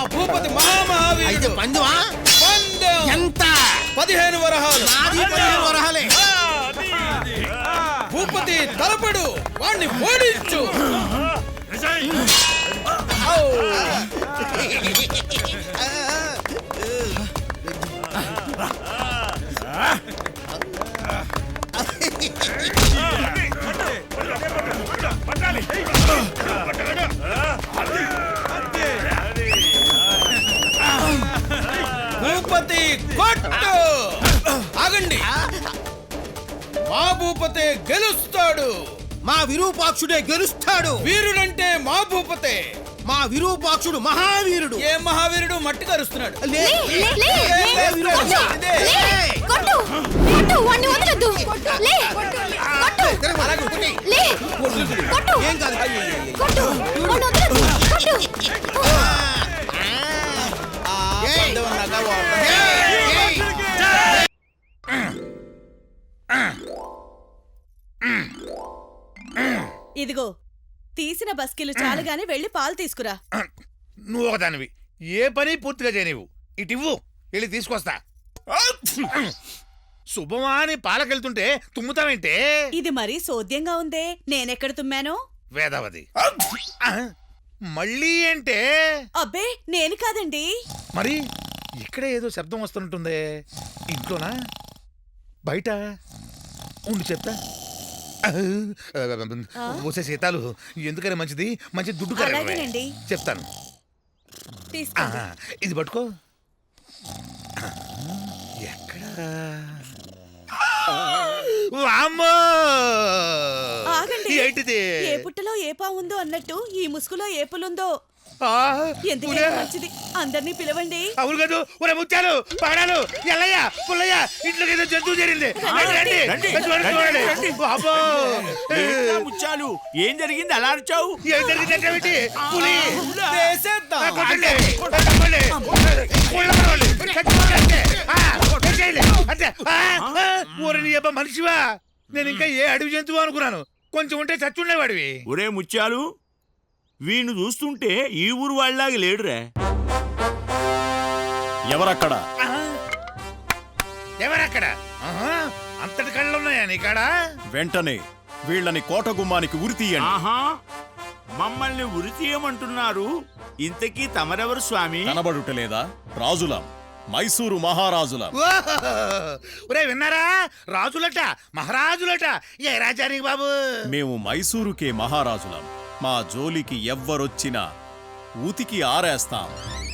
భూపతి మహామహావీరుడు. పందువా? పందెం ఎంత? 15 వరహాలు. 15 వరహాలే. భూపతి తలపడు, వాణ్ణి ఓడించు. భూపతి కొట్టు. ఆగండి, మా భూపతే గెలుస్తాడు. మా విరూపాక్షుడే గెలుస్తాడు. వీరుడంటే మా భూపతే. మా విరూపాక్షుడు మహావీరుడు. ఏ మహావీరుడు మట్టి కరుస్తున్నాడు. ఏం కాదు. ఇదిగో తీసిన బస్కిలు చాలుగానే వెళ్ళి పాలు తీసుకురా. నువ్వు ఒకదానివి, ఏ పని పూర్తిగా చేయనివు. ఇటివ్వు, వెళ్ళి తీసుకొస్తా. శుభమా అని పాలకెళ్తుంటే తుమ్ముతావేంటే? ఇది మరీ సోద్యంగా ఉందే, నేనెక్కడ తుమ్మాను? వేదవతి మళ్ళీ అంటే? అబ్బే నేను కాదండి. మరి ఇక్కడే ఏదో శబ్దం వస్తున్నట్టుందే. ఇంట్లోనా బయట? ఉండి చెప్తా. వచ్చే సీతాలు ఎందుకని మంచిది, మంచి దుడ్డు అలాగేనండి. చెప్తాను. తీసుకోండి. ఇది పట్టుకో. ఎక్కడా? ఆగండి. ఏంటిది? ఏ పుట్టలో ఏ పావుందో అన్నట్టు ఈ ముసుగులో ఏ పులుందో. ఎందుకైనా మంచిది, అందరినీ పిలవండి. అవును కాదు. ఒరే ముత్యాలు, పాడాలు, ఎల్లయ్య, పుల్లయ్య, ఇంట్లోకి ఏదో జంతువు చేరింది. ముచ్చాలు, ఏం జరిగింది అలా అరిచావు? ఏం జరిగిందంటే పులి మనిషివా? నేను ఇంకా ఏ అడవి జంతువు అనుకున్నాను. కొంచెం ఉంటే చచ్చుండేవాడివి. ఒరే ముత్యాలు, వీణ్ణి చూస్తుంటే ఈ ఊరు వాళ్ళలాగా లేడురా. ఎవరక్కడ? ఎవరక్కడ? అంతటి కళ్ళున్నాయా నీ కాడ? వెంటనే వీళ్ళని కోట గుమ్మానికి ఉరితీయండి. ఆహా, మమ్మల్ని ఉరి తీయమంటున్నారు. ఇంతకీ తమరెవరు స్వామి? కనబడుటలేదా? రాజులం, మైసూరు మహారాజులం. ఒరే విన్నారా? రాజులట, మహారాజులట. ఏ రాజానికి బాబు? మేము మైసూరుకే మహారాజులం. మా జోలికి ఎవ్వరొచ్చినా ఊతికి ఆరేస్తాం.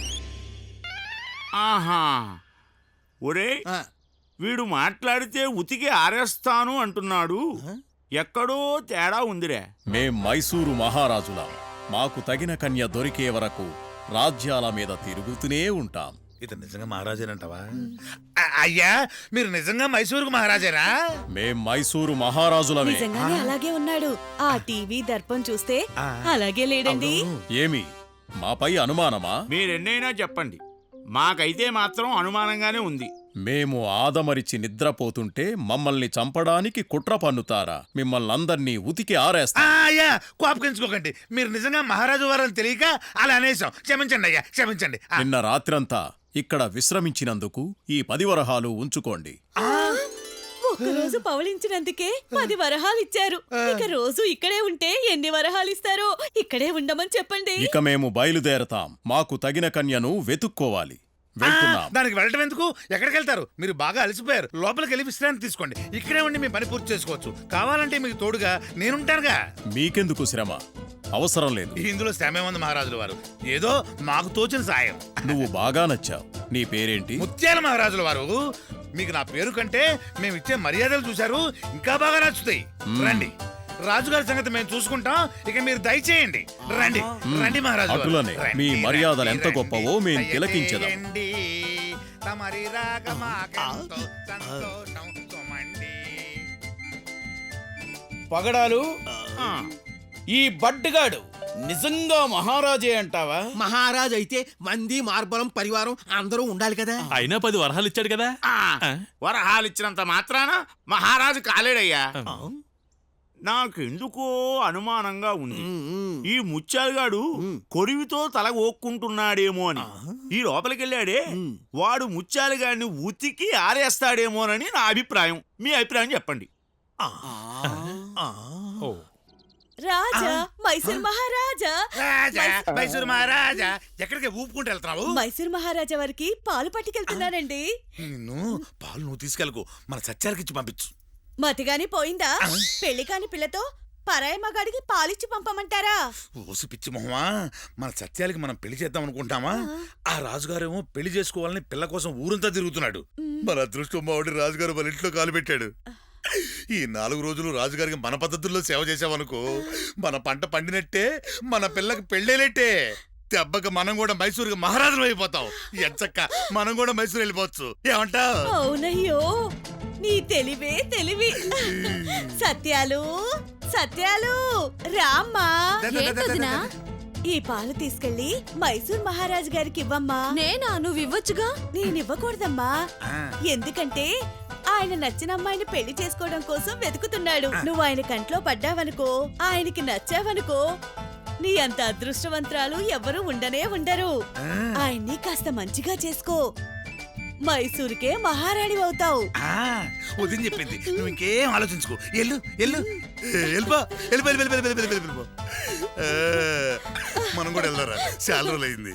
ఆహా, ఒరే వీడు మాట్లాడితే ఉతికి ఆరేస్తాను అంటున్నాడు. ఎక్కడో తేడా ఉందిరే. మేం మైసూరు మహారాజులం. మాకు తగిన కన్య దొరికే వరకు రాజ్యాల మీద తిరుగుతూనే ఉంటాం. ఇతను నిజంగా మహారాజేనంటావా? అయ్యా, మీరు నిజంగా మైసూరుకు మహారాజేనా? మేం మైసూరు మహారాజులమే. నిజంగానే అలాగే ఉన్నాడు. ఆ టీవీ దర్పం చూస్తే అలాగే లేడండి. ఏమి మాపై అనుమానమా? మీరెన్నైనా చెప్పండి, మాకైతే మాత్రం అనుమానంగానే ఉంది. మేము ఆదమరిచి నిద్రపోతుంటే మమ్మల్ని చంపడానికి కుట్ర పన్నుతారా? మిమ్మల్ని అందర్నీ ఉతికి ఆరేస్తా. అయ్యా, కోపగించుకోకండి. మీరు నిజంగా మహారాజు వారని తెలియక అలా అనేసాం. క్షమించండి అయ్యా, క్షమించండి. నిన్న రాత్రంతా ఇక్కడ విశ్రమించినందుకు ఈ 10 వరహాలు ఉంచుకోండి. ఒక్కరోజు పవళించినందుకే 10 వరహాలు ఇచ్చారు. ఇక రోజు ఇక్కడే ఉంటే ఎన్ని వరహాలు ఇస్తారో ఇక్కడే ఉండమని చెప్పండి. ఇక మేము బయలుదేరతాం. మాకు తగిన కన్యను వెతుక్కోవాలి. వెళ్తున్నాం. దానికి వెళ్ళటం ఎందుకు? ఎక్కడికి వెళ్తారు? మీరు బాగా అలసిపోయారు. లోపలికి వెళ్ళి విశ్రాంతి తీసుకోండి. ఇక్కడే ఉండి మీ పని పూర్తి చేసుకోవచ్చు. కావాలంటే మీకు తోడుగా నేనుంటానుగా. మీకెందుకు శ్రమ? అవసరం లేదు. ఇందులో శ్రమే ఉంది మహారాజుల వారు. ఏదో మాకు తోచిన సాయం. నువ్వు బాగా నచ్చావు. నీ పేరేంటి? ముత్యాల మహారాజుల వారు. మీకు నా పేరు కంటే మేము ఇచ్చే మర్యాదలు చూశారు, ఇంకా బాగా నచ్చుతాయి. రండి, రాజుగారి సంగతి మేము చూసుకుంటాం. ఇక మీరు దయచేయండి. రండి రండి మహారాజు. అటులనే మీ మర్యాదలు ఎంత గొప్పవో మేము తిలకించదాం. పగడాలు, ఈ బడ్డగాడు నిజంగా మహారాజే అంటావా? మహారాజ్ అయితే మంది మార్బలం పరివారం అందరూ ఉండాలి కదా. అయినా 10 వరహాలు ఇచ్చాడు కదా. వరహాలు ఇచ్చినంత మాత్రాన మహారాజు కాలేడయ్యా. నాకెందుకో అనుమానంగా ఉంది ఈ ముత్యాలుగాడు కొరివితో తల ఓక్కుంటున్నాడేమో అని ఈ లోపలికెళ్ళాడే వాడు ముత్యాలుగాడిని ఉతికి ఆరేస్తాడేమోనని నా అభిప్రాయం. మీ అభిప్రాయం చెప్పండి. రాజా మైసూర్ మహారాజా రాజా మైసూరు మహారాజా ఎక్కడికి ఊపుకుంటూ వెళ్తున్నావు? మైసూర్ మహారాజా వారికి పాలు పట్టుకెళ్తున్నానండి. నిన్ను పాలు నువ్వు తీసుకెళ్ళకు, మన సత్యాలకి ఇచ్చి పంపించు. మతిగాని పోయిందా? పెళ్లి కాని పిల్లతో పరాయి మగాడికి పాలిచ్చి పంపమంటారా? ఓసి పిచ్చి మొహమా, మన సత్యాలకి మనం పెళ్లి చేద్దాం అనుకుంటామా? ఆ రాజుగారేమో పెళ్లి చేసుకోవాలని పిల్ల కోసం ఊరంతా తిరుగుతున్నాడు. మన అదృష్టం మావాడి రాజుగారు మన ఇంట్లో కాలు పెట్టాడు. ఈ 4 రోజులు రాజుగారికి మన పద్ధతుల్లో సేవ చేసామనుకో, మన పంట పండినట్టే, మన పిల్లకి పెళ్ళేనట్టే. దెబ్బకి మనం కూడా మైసూరుకి మహారాజులు అయిపోతాం. ఎంచక్క మనం కూడా మైసూరు వెళ్ళిపోవచ్చు. ఏమంటావ్? అవునయ్యో, నీ తెలివే తెలివి. సత్యాలు సత్యాలు రామ్మా. ఏంటదినా? ఈ పాలు తీసుకెళ్లి మైసూర్ మహారాజు గారికి ఇవ్వమ్మా. నేనా? నువ్వు ఇవ్వచ్చుగా. నేనివ్వకూడదమ్మా, ఎందుకంటే ఆయన నచ్చిన అమ్మాయిని పెళ్లి చేసుకోవడం కోసం వెతుకుతున్నాడు. నువ్వు ఆయన కంట్లో పడ్డావనుకో, ఆయనకి నచ్చావనుకో, నీ అంత అదృష్టవంతరాలు ఎవరు ఉండనే ఉండరు. ఆయన్ని కాస్త మంచిగా చేసుకో, మైసూరుకే మహారాణి అవుతావు. వదిన చెప్పింది, నువ్వు ఇంకేం ఆలోచించుకో. ఎల్లు ఎల్లు వెళ్ళిపో, వెళ్ళిపో. మనం కూడా వెళ్దారా, చాలా రోజులు అయింది.